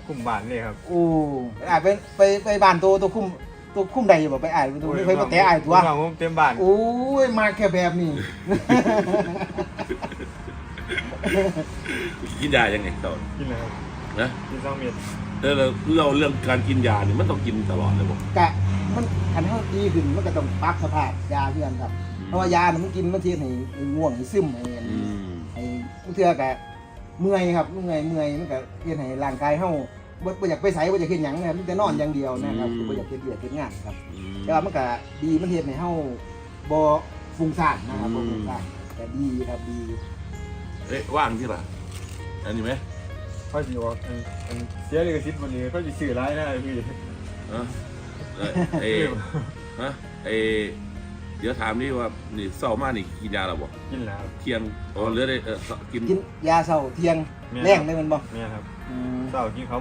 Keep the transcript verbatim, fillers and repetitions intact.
คุมบ้านเลยครับโอ้อ่าไปไปไปบ้านตัวตัวคุ้มตัวคุ้มใดอยู่บ่ไปอ่านตัวไม่เคยมาแตะอ่านตัวน้องผมเต็มบ้านโอ้ยมาแค่แบบนี้กินยายังไงตอนกินเลยครับนะกินสองเม็ดเออเราเราเรื่องการกินยาเนี่ยมันต้องกินตลอดเลยบอกกะมันคันเฮาดีขึ้นมันก็ต้องปรับสภาพยาเพื่อนครับเพราะว่ายาน่ะมันกินมันเทียนให้ให้ง่วงให้ซึมให้อืมให้มันเทื่อกะเมื่อยครับเมื่อยเมื่อยมันก็เฮ็ดให้ร่างกายเฮาบ่บ่อยากไปไสบ่อยากเฮ็ดหยังนะครับมันแต่นอนอย่างเดียวนะครับบ่อยากเฮ็ดเวียกเฮ็ดงานครับอืมแต่ว่ามันก็ดีมันเฮ็ดให้เฮาบ่ฟุ้งซ่านนะครับบ่ฟุ้งซ่านแต่ดีครับดีเอ๊ะว่างที่ล่ะอันนี้ไหมเขาจะบอกอันอันเสียเลยกระซิบวันนี้เขาจะสื่อร้ายนะพี่ฮะเอ่อเอฮะเอเดี๋ยวถามนี่ว่านี่เศร้ามากนี่กินยาหรอบอกกินแล้วครับเที่ยงอ๋อเหลือได้เออกินกินยาเช้าเที่ยงแม่แรงได้มันบ่เนี่ยครับอืมเศร้ากินเขา